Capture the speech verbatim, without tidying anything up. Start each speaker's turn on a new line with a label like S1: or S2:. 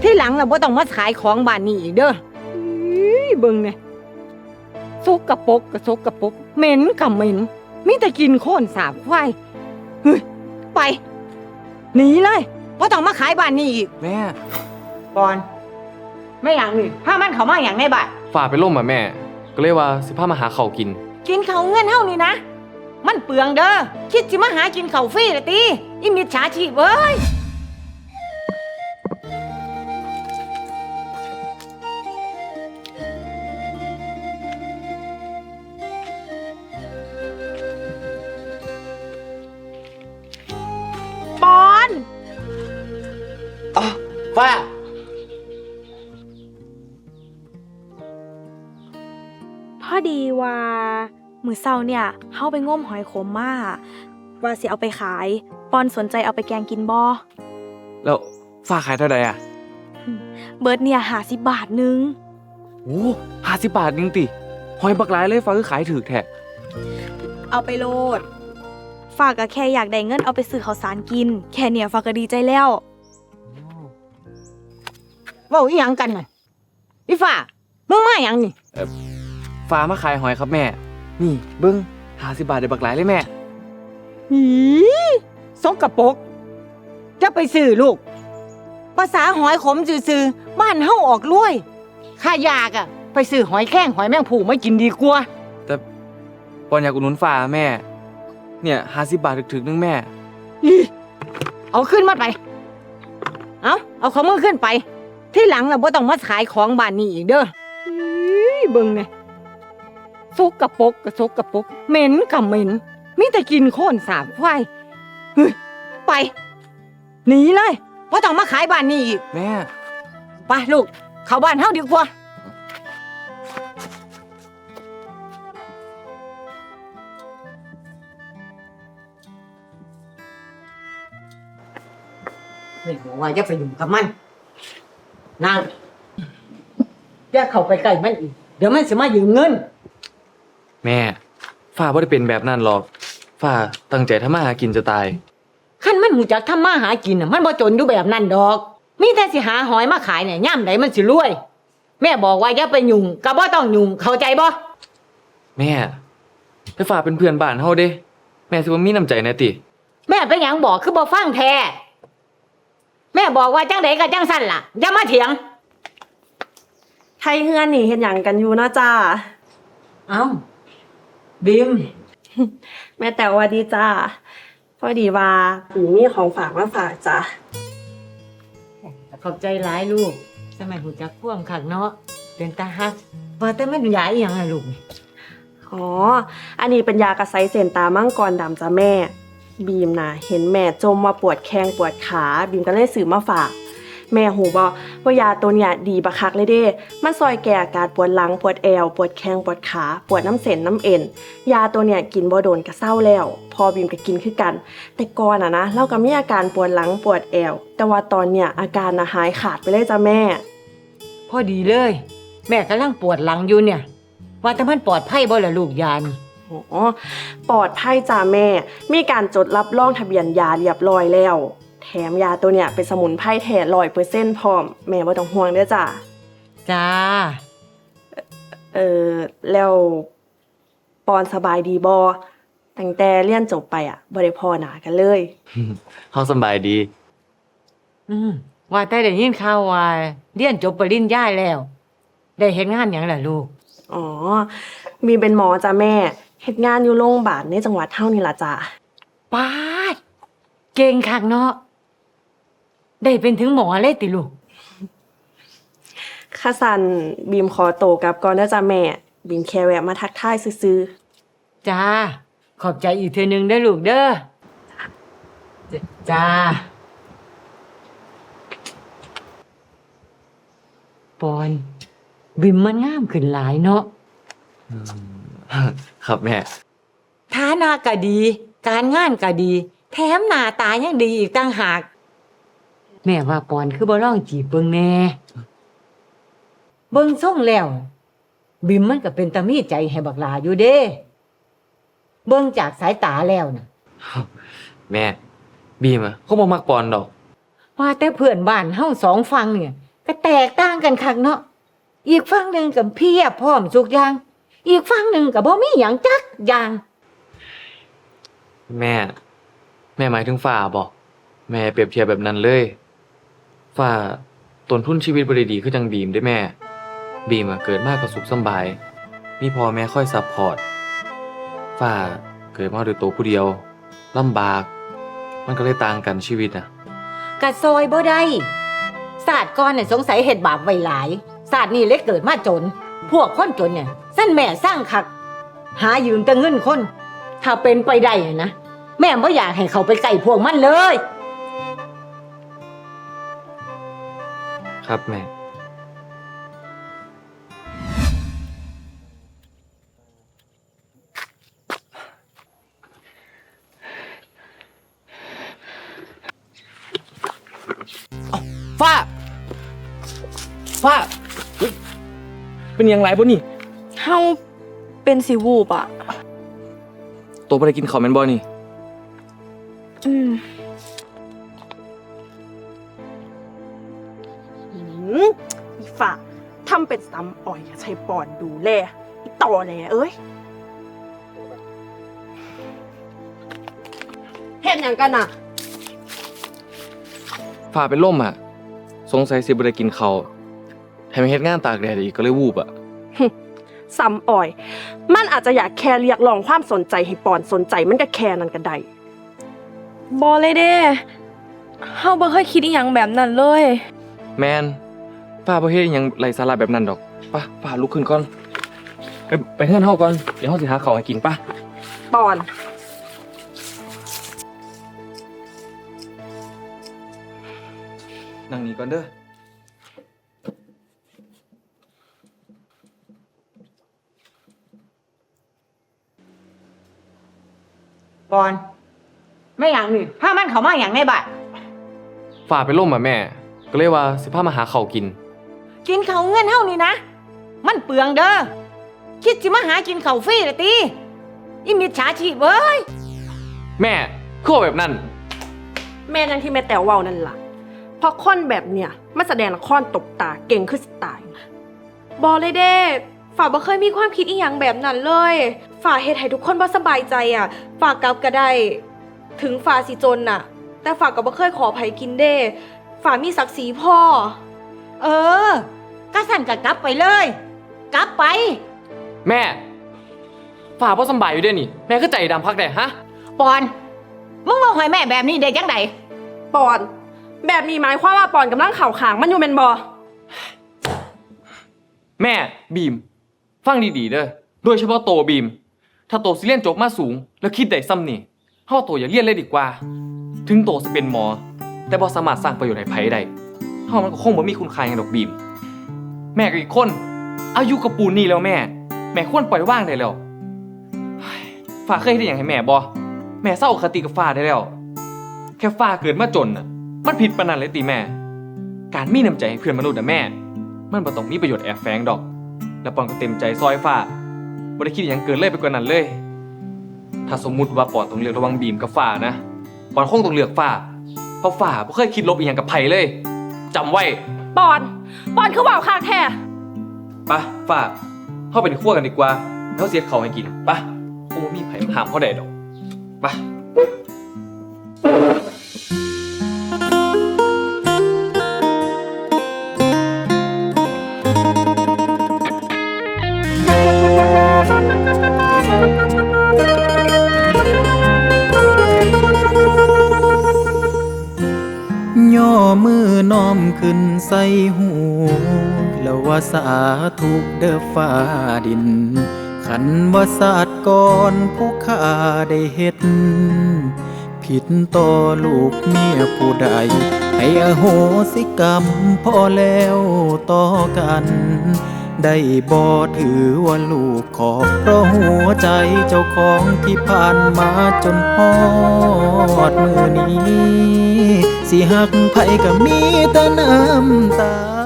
S1: ที่หลังเราบ่ต้องมาขายของบ้านนี้อีกเด้อเบิ่งเนี่ยซกกระปกกระซกกระปกเหม็นกับเหม็นมีแต่กินโค่นสาบควายเฮ้ยไปหนีเลยบ่ต้องมาขายบ้านนี้อีก
S2: แม่
S1: ก่อนไม่อย่างนี้ถ้ามันเขามาอย่างในบ้าน
S2: ฝ่าไปล่มอ่ะแม่ ก็เลยว่าสิพามาหาข้าวกิน
S1: กินเขาวเงินเฮานี่นะมันเปลืองเด้อคิดสิมาหากินข้าวฟรีละติอีมิจฉาชีพเอ้ยปอน
S2: อ๋อฝ้า
S3: พอดีว่ามื้อเช้าเนี่ยเฮาไปงมหอยขมมาว่าสิเอาไปขายปอนสนใจเอาไปแกงกินบ่
S2: แล้วฝ้าขายเท่าใดอ่ะ
S3: เบิดเนี่ยห้าสิบบาทนึง
S2: โอ้ห้าสิบบาทนึงติหอยบักหลายเลยฝ้าคือขายถูกแท้
S3: เอาไปโลดฝากก็แค่อยากได้เงินเอาไปซื้อข้าวสารกินแค่เนี่ยฝากก็ดีใจแล้ว
S1: เว้าอีหยังกันน่ะอีฟ้ามึงมาหยังนี่
S2: ฝ้ามาขายหอยครับแม่ นี่เบิ้งห้าสิบบาทได้บักหลายเลยแม่
S1: หีสกปรกจะไปซื้อลูกภาษาหอยขมซื่อๆบ้านเฮาออกรวยข้ายากอะไปซื้อหอยแข้งหอยแมงผู่ไม่กินดีกว่า
S2: แต่ปอนอยากอุดหนุนฝ้าแม่ เนี่ยห้าสิบบาทถึกๆนึงแม่
S1: อีเอาขึ้นมาไป เอาเอาของมึงขึ้นไป ที่หลังเราบ่ต้องมาขายของบ้านนี้อีกเด้ออีเบิ่งเนี่ยซกกระปกกระซกกระปกเหม็นกับเหม็นมีแต่กินโค่นสาบควายเฮ้ยไปหนีเลยบ่ต้องมาขายบ้านนี้อีก
S2: แม่
S1: ไปลูกเข้าบ้านเฮาดีกว่าเฮ้ยบอกว่าอย่าไปยุ่งกับมันนางอย่าเข้าไปใกล้มันอีกเดี๋ยวมันสิมายืมเงิน
S2: แม่ฝ้าบ่ได้เป็นแบบนั้นหรอกฝ้าตั้งใจทำมาหากินจะตาย
S1: คันมันหูจักทำมาหากินน่ะมันบ่จนอยู่แบบนั้นดอก มีแต่สิหาหอยมาขายเนี่ยย่ำใดมันสิรวย แม่บอกว่าอย่าไปยุ่งก็บ่ต้องยุ่งเข้าใจบ่
S2: แม่แต่ฝ้าเป็นเพื่อนบ้านเฮาเด้ แม่สิบ่มีน้ำใจแน่ติ
S1: แม่เป็นหยังบอกคือบ่ฟังแท้แม่บอกว่าจังไดก็จังสั่นล่ะอย่ามาเถียง
S4: ไทยเฮือนนี่เฮ็ดหยังกันอยู่เนาะจ้า
S1: เอ้าบิม
S4: แม่แต่ว่าดีจ้าพอดีว่าปีมีของฝากมาฝากจ้า
S1: ขอบใจหลายลูกสมัยหูจักพ่วงคักเนาะเป็นตาฮักว่าแต่มันยาอีหยังอะลูก
S4: อ๋อ อันนี้เป็นยากระไซเซนตามังกรดำจ้าแม่ บีมนะเห็นแม่จมมาปวดแข้งปวดขาบีมก็เลยซื้อมาฝาก แม่หูบอกว่ายาตัวเนี้ยดีบักคักเลยเด้มันซอยแก้อาการปวดหลังปวดแอวปวดแข้งปวดขาปวดน้ำเส้นน้ำเอ็นยาตัวเนี้ยกินบ่โดนก็เศร้าแล้วพอบีมก็กินคือกัน แต่ก่อนอะนะเราก็มีอาการปวดหลังปวดแอวแต่ว่าตอนเนี้ยอาการนะหายขาดไปเลยจ้าแม่
S1: พอดีเลย แม่กำลังปวดหลังอยู่เนี่ย ว่าแต่มันปลอดภัยบ่ล่ะลูกยานี่
S4: อ๋อปลอดภัยจ้าแม่ มีการจดรับรองทะเบียนยาเรียบร้อยแล้ว แถมยาตัวเนี้ยเป็นสมุนไพรแท้ร้อยเปอร์เซ็นต์พร้อม แม่บ่ต้องห่วงเด้อจ้า
S1: จ้า
S4: เออแล้วปอนสบายดีบ่ตั้งแต่เรียนจบไปอ่ะบ่ได้พ้อหน้ากันเลย
S2: เฮาสำบายดี
S1: อืมว่าแต่ได้ยินข่าวว่าเรียนจบปริญญาแล้ว ได้เฮ็ดงานหยังล่ะลูก
S4: อ๋อ มีเป็นหมอจ้าแม่เฮ็ดงานอยู่โรงพยาบาลในจังหวัดเฮานี่ล่ะจ้า
S1: ปาด เก่งคักเนาะ ได้เป็นถึงหมอเลยติลูก
S4: ค่ะสันบีมขอโตวกลับก่อนเด้อจ้าแม่ บีมแค่แวะมาทักทายซื่อๆ
S1: จ้า ขอบใจอีกเทื่อนึงเด้อลูกเด้อ จ้า ปอน บิมมันงามขึ้นหลายเนาะ
S2: ครับแม่
S1: ฐานะก็ดี การงานก็ดี แถมหน้าตายังดีอีกต่างหาก แม่ว่าปอนคือบ่ลองจีบเบิ่งแหน่เบิ่งส่งแล้ว บิมมันก็เป็นตามีใจให้บักหลาอยู่เด้ เบิ่งจากสายตาแล้วน่ะ
S2: แม่ บีมอะเขาบ่มักปอนดอก
S1: ว่าแต่เพื่อนบ้านเฮาสองฟังเนี่ยก็แตกต่างกันคักเนาะอีกฝั่งหนึ่งกับเพียบพร้อมทุกอย่าง อีกฝั่งหนึ่งกับบ่มีหยังจักอย่าง
S2: แม่ แม่หมายถึงฝ่าบอกแม่เปรียบเทียบแบบนั้นเลยฝ่าต้นทุนชีวิตบ่ได้ดีคือจังบีมได้แม่ บีมอะเกิดมาก็สุขสำบาย มีพ่อแม่คอยซัพพอร์ตฝ่าเกิดมาด้วยตัวผู้เดียวลำบาก มันก็เลยต่างกันชีวิตน่ะ
S1: กะซอยบ่ได้ศาสตร์ก่อนน่ะสงสัยเฮ็ดบาปไว้หลายศาสตร์นี่เลยเกิดมาจน พวกคนจนเนี่ยสั้นแม่สร้างคัก หายืมแต่เงินคน ถ้าเป็นไปได้น่ะนะแม่บ่อยากให้เขาไปใกล้พวกมันเลย
S2: ครับแม่
S5: ฟ้า ฟ้าเฮ้ยเป็นยังไงบ่นี่
S3: เฮาเป็นสิวูบอ่ะ
S2: ตัวบ่ได้กินข้าวแม่นบ่นี่
S3: อืม
S4: หืมอีฝ่าทำเป็นซ้ำอ่อยใช้ปอนดูแลอีต่อแหลเอ้ยเห็นอย่างกันอ่ะ
S2: ฝ่าเป็นล่มอ่ะ สงสัยสิบ่ได้กินข้าวให้มาเฮ็ดงานตากแดดอีกก็เลยวูบอ่ะ
S4: ซ้ำอ่อย มันอาจจะอยากแค่เรียกร้องความสนใจให้ปอนสนใจมันก็แค่นั้นก็ได้
S3: บอเลยเด้เฮาบ่เคยคิดอีหยังแบบนั้นเลย
S2: แมนป้าบ่เฮ็ดอิหยังไร้สาระแบบนั้นดอกไป้าป้าลุกขึ้นก่อนไปไปเฮือนเฮาก่อนเดี๋ยวเฮาสิหาข้าวให้กินป่ะ
S4: ปอน
S2: นั่งนี่ก่อนเด้อ
S1: ปอน ไม่อย่างนี่พามันเขามาอย่างในบ้าน
S2: ฝ่าเป็นล่มอ่ะแม่ ก็เลยว่าสิพามาหาข้าวกิน
S1: กินเขาวเงินเฮานี่นะ มันเปลืองเด้อ คิดสิมาหากินเขาวฟรีละติอีมิจฉาชีพเว้ย
S2: แม่คือว่าแบบนั้น
S4: แม่นั่นที่แม่แต๋วเว้านั่นล่ะเพราะคนแบบเนี้ยมันแสดงละครตบตาเก่งขึ้นสไตล์
S3: บอเลยเด้ฝ่าบ่เคยมีความคิดอีหยังแบบนั้นเลยฝ่าเฮ็ดให้ทุกคนบ่สบายใจอ่ะฝ่ากลับก็ได้ ถึงฝ่าสิจนน่ะ แต่ฝ่าก็บ่เคยขอไผกินเด้ฝ่ามีศักดิ์ศรีพ่อ
S1: เออ ก็สั่นก็กลับไปเลย กลับไป
S2: แม่ฝ่าบ่สำบายอยู่เด้อนี่แม่คือใจดำพักแด้ฮะ
S1: ปอน มึงมาหอยแม่แบบนี้ได้จังได
S4: ปอน แบบนี้หมายความว่าปอนกำลังเข่าขางมันอยู่แม่นบ่
S2: แม่บีม ฟังดีๆเด้อโดยเฉพาะโตบีม ถ้าโตสิเรียนจบมาสูง แล้วคิดได้ซ้ำนี่เฮาโตอย่าเรียนเลยดีกว่า ถึงโตสิเป็นหมอ แต่บ่สามารถสร้างประโยชน์ให้ไผได้เฮามันก็คงบ่มีคุณค่าหยังดอกบีม แม่ก็อีกคน อายุกับปูนนี่แล้วแม่ แม่ควรปล่อยว่างได้แล้วเฮ้ยฟ้าเคยเฮ็ดหยังให้แม่บ่แม่เศร้าอคติกับฟ้าได้แล้ว แค่ฟ้าเกิดมาจนน่ะ มันผิดปานนั้นเลยติแม่ การมีน้ำใจให้เพื่อนมนุษย์น่ะแม่ มันบ่ต้องมีประโยชน์แอบแฝงดอก แล้วปอนก็เต็มใจซอยฟ้าบ่ได้คิดหยังเกินเลยไปกว่านั้นเลย ถ้าสมมุติว่าปอนต้องเลือกระหว่างบีมกับฟ้านะปอนคงต้องเลือกฟ้า เพราะฟ้าบ่เคยคิดลบอีหยังกับไผเลยจำไว้
S4: ปอน ปอนคือเว้าคางแท้
S2: ปะฟ้าเข้าไปในครัวกันดีกว่าแล้วเสียเขาวให้กินปะคงบ่มีไผมาห้ามเขาได้ดอกปะ
S6: ย่อมือน้อมขึ้นใส่หู แล้วว่าสาธุเด้อฟ้าดิน ขันว่าศาสตร์ก่อนผู้ข้าได้เฮ็ด ผิดต่อลูกเมียผู้ใด ให้อโหสิกรรมพอแล้วต่อกัน ได้บ่ถือว่าลูกขอเพราะหัวใจเจ้าของที่ผ่านมาจนฮอดมือนี้ สิหักไผก็มีแต่น้ำตา